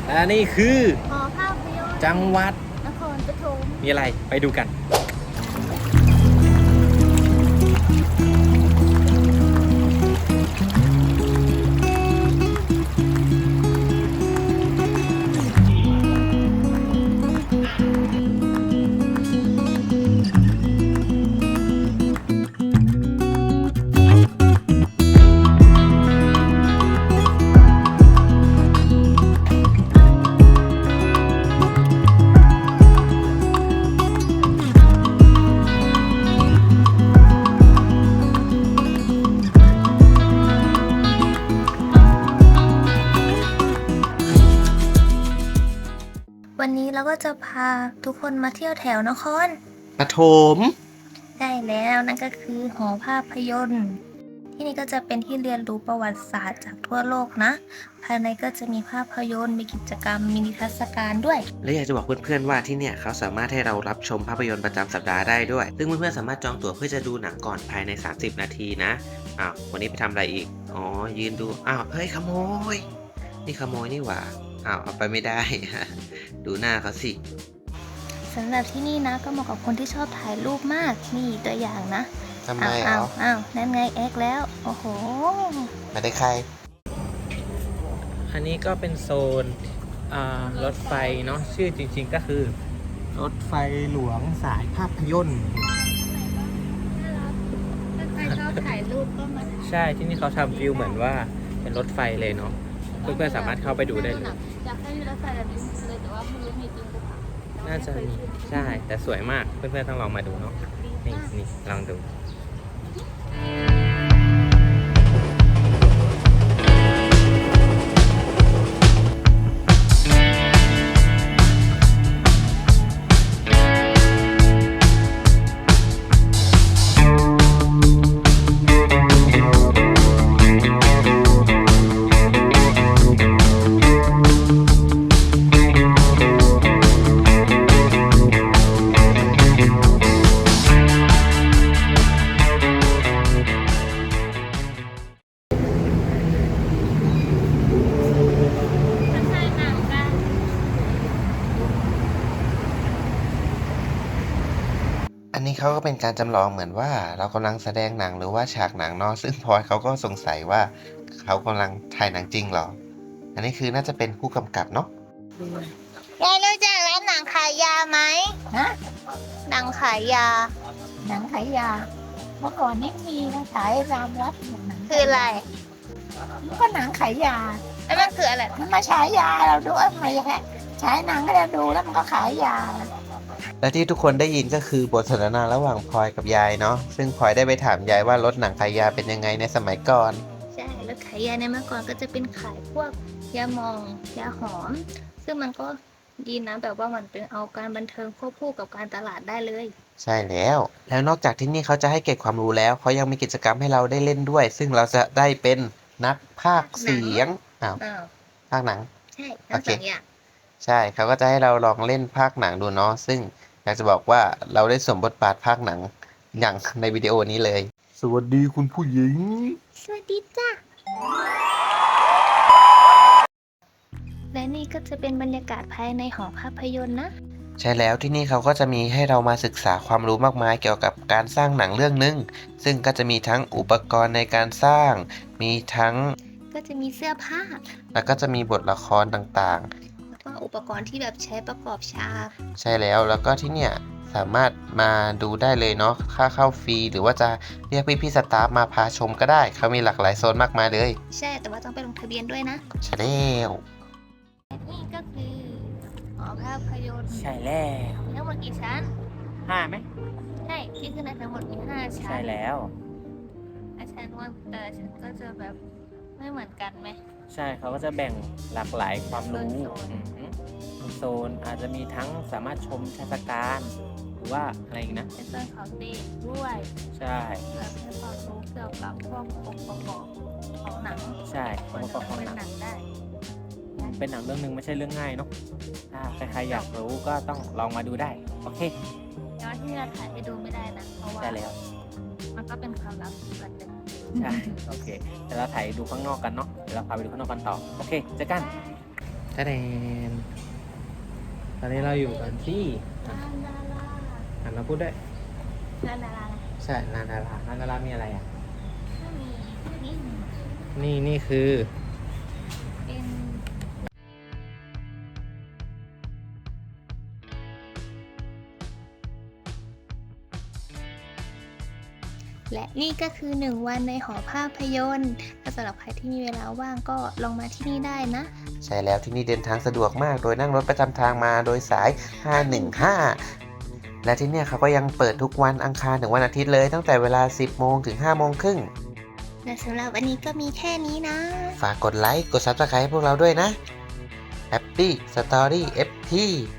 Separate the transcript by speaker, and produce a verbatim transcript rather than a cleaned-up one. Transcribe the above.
Speaker 1: และนี่คือ
Speaker 2: หอภาพยนตร์
Speaker 1: จังหวัด
Speaker 2: นครปฐม
Speaker 1: มีอะไรไปดูกัน
Speaker 2: วันนี้เราก็จะพาทุกคนมาเที่ยวแถวนคร
Speaker 1: ปฐม
Speaker 2: ได้แล้วนั่นก็คือหอภาพยนตร์ที่นี่ก็จะเป็นที่เรียนรู้ประวัติศาสตร์จากทั่วโลกนะภายในก็จะมีภาพยนตร์มีกิจกรรมมีนิทรรศการด้วย
Speaker 1: และอยากจะบอกเพื่อนๆว่าที่เนี่ยเขาสามารถให้เรารับชมภาพยนตร์ประจำสัปดาห์ได้ด้วยซึ่งเพื่อนๆสามารถจองตั๋วเพื่อจะดูหนังก่อนภายในสามสิบนาทีนะอ้าววันนี้ไปทำอะไรอีกอ๋อยืนดูอ้าวเฮ้ยขโมยนี่ขโมยนี่หว่าอ้าวเอาไปไม่ได้ ดูหน้าเขาสิ
Speaker 2: สำหรับที่นี่นะก็เหมาะกับคนที่ชอบถ่ายรูปมากนี่ตัวอย่างนะ
Speaker 1: ทำไมอ๋
Speaker 2: ออ้าวอ้าวนั่นไงแอคแล้วโอ้โห
Speaker 1: มาได้ใครอันนี้ก็เป็นโซนรถไฟเนาะชื่อจริงๆก็คือรถไฟหลวงสายภาพยนตร์
Speaker 2: ถ้าใครชอบถ่ายรูปก็มา
Speaker 1: ใช่ที่นี่เขาทำฟิลเหมือนว่าเป็นรถไฟเลยเนาะเพื่อนๆสามารถเข้าไปดูได้เลย
Speaker 2: อยากให้มีรถไฟแบบนี้เลยแต่ว่าไม่รู้มีจริงหรือเปล่า
Speaker 1: น่าจะมีใช่แต่สวยมากเพื่อนๆต้องลองมาดูเนาะนี่นี่ลองดูอันนี้เขาก็เป็นการจำลองเหมือนว่าเรากำลังแสดงหนังหรือว่าฉากหนังเนาะซึ่งพลอยเขาก็สงสัยว่าเขากำลังถ่ายหนังจริงเหรออันนี้คือน่าจะเป็นผู้กำกับเนาะ
Speaker 2: ยายรู้จักร้านหนังขายยาไหมฮะหนังขายยา
Speaker 3: หนังขายยาเมื่อก่อนนี่มีนะขายรามวัดหนัง
Speaker 2: คืออะไร
Speaker 3: มันก็หนังขายยา
Speaker 2: แล้วมันคืออะไร
Speaker 3: มันมาฉายยาเราดูว่ามันแค่ฉายหนังให้เราดูแล้วมันก็ขายยา
Speaker 1: และที่ทุกคนได้ยินก็คือบทสนทนาระหว่างพลอยกับยายเนาะซึ่งพลอยได้ไปถามยายว่ารถหนังขายยาเป็นยังไงในสมัยก่อน
Speaker 2: ใช่รถขายยาในเมื่อก่อนก็จะเป็นขายพวกยาหมองยาหอมซึ่งมันก็ดีนะแบบว่ามันเป็นเอาการบันเทิงควบคู่กับการตลาดได้เลย
Speaker 1: ใช่แล้วแล้วนอกจากที่นี่เขาจะให้เก็บความรู้แล้วเขายังมีกิจกรรมให้เราได้เล่นด้วยซึ่งเราจะได้เป็นนักพากย์เสียงอ้าวพากย์หนัง
Speaker 2: ใช่ทั้งสองอย่าง
Speaker 1: ใช่เขาก็จะให้เราลองเล่นพากย์หนังดูเนาะซึ่งอยากจะบอกว่าเราได้สวมบทบาทพากย์หนังอย่างในวิดีโอนี้เลยสวัสดีคุณผู้หญิง
Speaker 2: สวัสดีจ้ะและนี่ก็จะเป็นบรรยากาศภายในหอภาพยนตร์นะ
Speaker 1: ใช่แล้วที่นี่เขาก็จะมีให้เรามาศึกษาความรู้มากมายเกี่ยวกับการสร้างหนังเรื่องนึงซึ่งก็จะมีทั้งอุปกรณ์ในการสร้างมีทั้ง
Speaker 2: ก็จะมีเสื้อผ้า
Speaker 1: แล้วก็จะมีบทละครต่าง
Speaker 2: ๆแล้วก็อุปกรณ์ที่แบบใช้ประกอบฉาก
Speaker 1: ใช่แล้วแล้วก็ที่เนี่ยสามารถมาดูได้เลยเนาะค่าเข้าฟรีหรือว่าจะเรียกพี่ๆสตาฟมาพาชมก็ได้เขามีหลากหลายโซนมากมายเลย
Speaker 2: ใช่แต่ว่าต้องไปลงทะเบียนด้วยนะ
Speaker 1: ใช่แล้ว
Speaker 2: นี่ก็คือหอภาพยนตร์
Speaker 1: ใช่แล้ว
Speaker 2: ทั้งหมดกี่ชั้น
Speaker 1: ห้าไหม
Speaker 2: ใช่ที่ขึ้นในทั้งหมดมีห้าชั้น
Speaker 1: ใช่แล้ว
Speaker 2: อาชั้นว่าแต่ชั้นก็จะแบบไม่เหมือนกันไหม
Speaker 1: ใช่เขาก็จะแบ่งหลากหลายความรู้โซนอาจจะมีทั้งสามารถชมเทศกาลหรือว่าอะไรอีกนะ
Speaker 2: เป็นโซนของเด็กด้วย
Speaker 1: ใช่
Speaker 2: แล้วให้ความรู้เกี่ยวกับพวกองค์ประกอบของหนัง
Speaker 1: ใช่องค์ประกอบของหนังได้เป็นหนังเรื่องนึงไม่ใช่เรื่องง่ายเนาะถ้าใครๆอยากรู้ก็ต้องลองมาดูได้โอเค
Speaker 2: ย้อนที่เราถ่ายให้ดูไม่ได้นะเพราะว่า
Speaker 1: ใช่แล้ว
Speaker 2: มันก็เป็นความลับส่วนหนึ่ง
Speaker 1: ใช่โอเคเดี๋ยวเราถ่ายดูข้างนอกกันเนาะเดี๋ยวเราพาไปดูข้างนอกกันต่อโอเคเจอกันะแดนตอนนี้เราอยู่กันที่
Speaker 2: ลานดารา
Speaker 1: อ่านมาพูดด้วย
Speaker 2: ลานดารา
Speaker 1: ใช่ลานดาราลานดารามีอะไรอ่ะ
Speaker 2: ก็มีนี่
Speaker 1: นี่นี่คือ
Speaker 2: เป็น และนี่ก็คือหนึ่งวันในหอภาพยนตร์ถ้าสำหรับใครที่มีเวลาว่างก็ลองมาที่นี่ได้นะ
Speaker 1: ใช่แล้วที่นี่เดินทางสะดวกมาก โดยนั่งรถประจำทางมาโดยสาย ห้าหนึ่งห้า และที่เนี่ยเขาก็ยังเปิดทุกวันอังคารถึงวันอาทิตย์เลยตั้งแต่เวลา สิบโมงถึง ห้าโมงครึ่ง
Speaker 2: และสำหรับวันนี้ก็มีแค่นี้นะ
Speaker 1: ฝากกดไลค์ กด ซับสไครบ์ให้พวกเราด้วยนะ Happy Story เอฟ ที